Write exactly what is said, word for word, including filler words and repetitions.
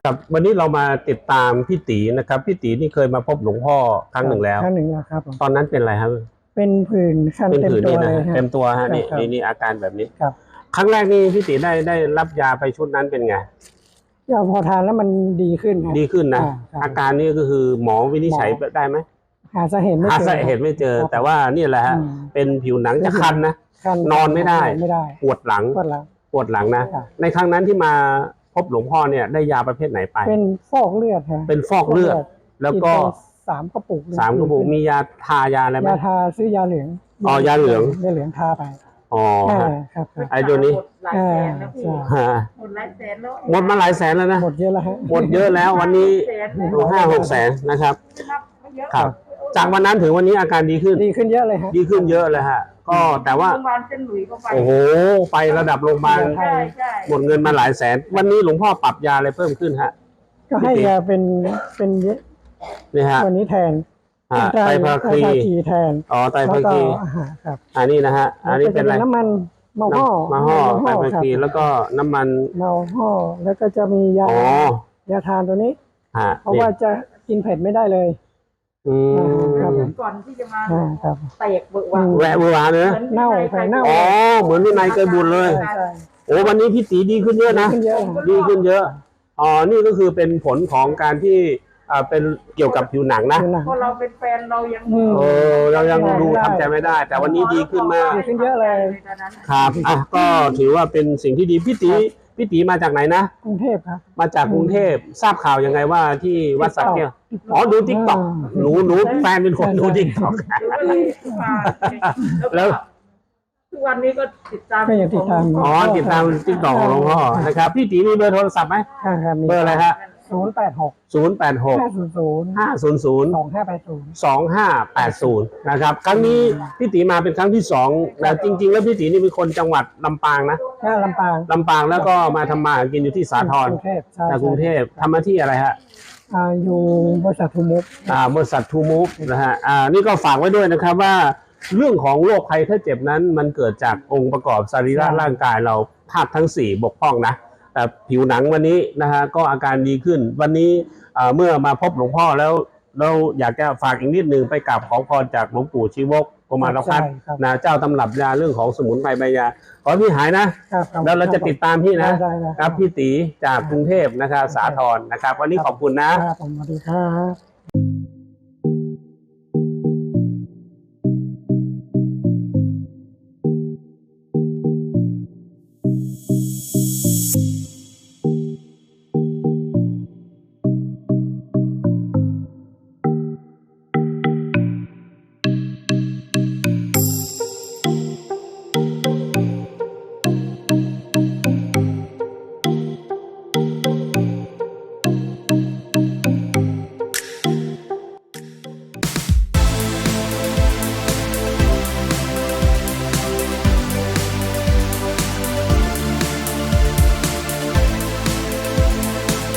ครับวันนี้เรามาติดตามพี่ตีนะครับพี่ตีนี่เคยมาพบหลวงพ่อครั้งหนึ่งแล้วครั้งหนึ่งแล้วครับตอนนั้นเป็นอะไรครับเป็นผื่นคันเป็นเต็มผื่นตัวนี่นะเลยฮะเต็มตัวฮะนี่ครับนี่นี่อาการแบบนี้ครับครั้งแรกนี่พี่ตีได้ได้รับยาไปชุดนั้นเป็นไงยาพอทานแล้วมันดีขึ้นครับดีขึ้นนะอ่าครับอาการนี้ก็คือหมอวินิจฉัยหมอได้ไหมหาสาเหตุไม่หาเจอสาเหตุไม่เจอครับแต่ว่านี่แหละฮะอืมเป็นผิวหนังจะคันนะคันอนไม่ได้นอนไม่ได้ปวดหลังปวดหลังปวดหลังนะครับ ในครั้งนั้นที่มาพบหลวงพ่อเนี่ยได้ยาประเภทไหนไปเป็นฟอกเลือดฮะเป็นฟอกเลือด แล้วก็นไปสามกระปุกสามกระปุกมียาทายาอะไรไหมยาทาซื้อยาเหลืองอ๋อยาเหลืองยาเหลืองทาไปอ๋ออ่าฮะครับครับไอ้ตัวนี้หมดหลายแสนแล้วพี่อ่าฮะหมดหลายแสนแล้วหมดมาหลายแสนแล้วนะหมดเยอะแล้วฮะหมดเยอะแล้ววันนี้แสนดูห้าหกแสนนะครับนับไม่เยอะครับ จากวันนั้นถึงวันนี้อาการดีขึ้นดีขึ้นเยอะเลยฮะดีขึ้นเยอะเลยฮะ ก็แต่ว่าโรงพยาบาลเส้นหลุยส์ก็ไปโอ้โห ไประดับโรงพยาบาลใช่ใช่หมดเงินมาหลายแสน วันนี้หลวงพ่อปรับยาอะไรเพิ่มขึ้นฮะก็ให้ยาเป็นเป็นนี่ฮะตัวนี้แทนอ่าไตรภาคีไตรภาคีแทนอ๋อไตรแล้วภาก็คีอาหารครับอันนี้นะฮะ อันนี้เป็นอะไรแล้วก็จมีน้ำมันเมาห่อมาห่อไตรเมาภาครับคีแล้วก็น้ำมันเมาห่อแล้วก็จะมียาอ๋อยาทานตัวนี้ฮะเพราะนี่ว่าจะกินเผ็ดไม่ได้เลยอืครับมก่อนที่จะมาอ่าครับเตะเบิกวางแวะเมื่อวานเนอะเน่าไข่เน่าอ๋อ เหมือนที่นายเคยบุญเลยใช่ใช่โอ้วันนี้พี่ตีดีขึ้นเยอะนะขึ้นเยอะดีขึ้นเยอะ อ๋อ นี่ก็คือเป็นผลของการที่อ่าเป็นเกี่ยวกับผิวหนังนะผิวหนังเพราะเราเป็นแฟนเรายังอืมเออเรายังดูได้ทำใจไม่ได้ แต่วันนี้ดีขึ้นมากดีขึ้นเยอะเลยตอนนั้นครับอ่ะก็ถือว่าเป็นสิ่งที่ดีพี่ตีพี่ตีมาจากไหนนะกรุงเทพครับมาจากกรุงเทพทราบข่าวยังไงว่าที่วัดสักแก้วอ๋อดูทิกตอกอ่าหนูหนูแฟนเป็นคนดูทิกตอกหรือว่าเลยมาแล้วทุกวันนี้ก็ติดตามก็ยังติดตามอ๋อติดตามทิกตอกของหลวงพ่อนะครับพี่ตีมีเบอร์โทรศัพท์ไหมค่ะครับมีเบอร์อะไรฮะศูนย์แปดหกศูนย์แปดหกห้าศูนย์ศูนย์ห้าศูนย์ศูนย์สองห้าแปดศูนย์สองห้าแปดศูนย์นะครับครั้งนี้พี่ตีมาเป็นครั้งที่สองแต่จริง ๆ แล้วพี่ตีนี่เป็นคนจังหวัดลำปางนะหน้าลำปางลำปางแล้วก็มาทำมาหากินอยู่ที่สาทรกรุงเทพใช่จากกรุงเทพทำมาที่อะไรฮะอ่าอยู่บริษัททูมุกอ่าบริษัททูมูฟนะฮะอ่านี่ก็ฝากไว้ด้วยนะครับว่าเรื่องของโรคภัยไข้เจ็บนั้นมันเกิดจากองค์ประกอบสรีระร่างกายเราธาตุทั้งสี่บกพร่องนะแต่ผิวหนังวันนี้นะฮะก็อาการดีขึ้นวันนี้อ่าเมื่อมาพบหลวงพ่อแล้วเราอยากจะฝากอีกนิดนึงไปกราบขอพรจากหลวงปู่ชีวกกุมารพัฒน์ใช่ครับนะเจ้าตำรับยาเรื่องของสมุนไพรใบยาขอให้พี่หายนะครับครับแล้วเราจะติดตามพี่นะได้ได้ครับพี่ตีจากกรุงเทพนะครับสาทรนะครับวันนี้ขอบคุณนะครับผมสวัสดีครับ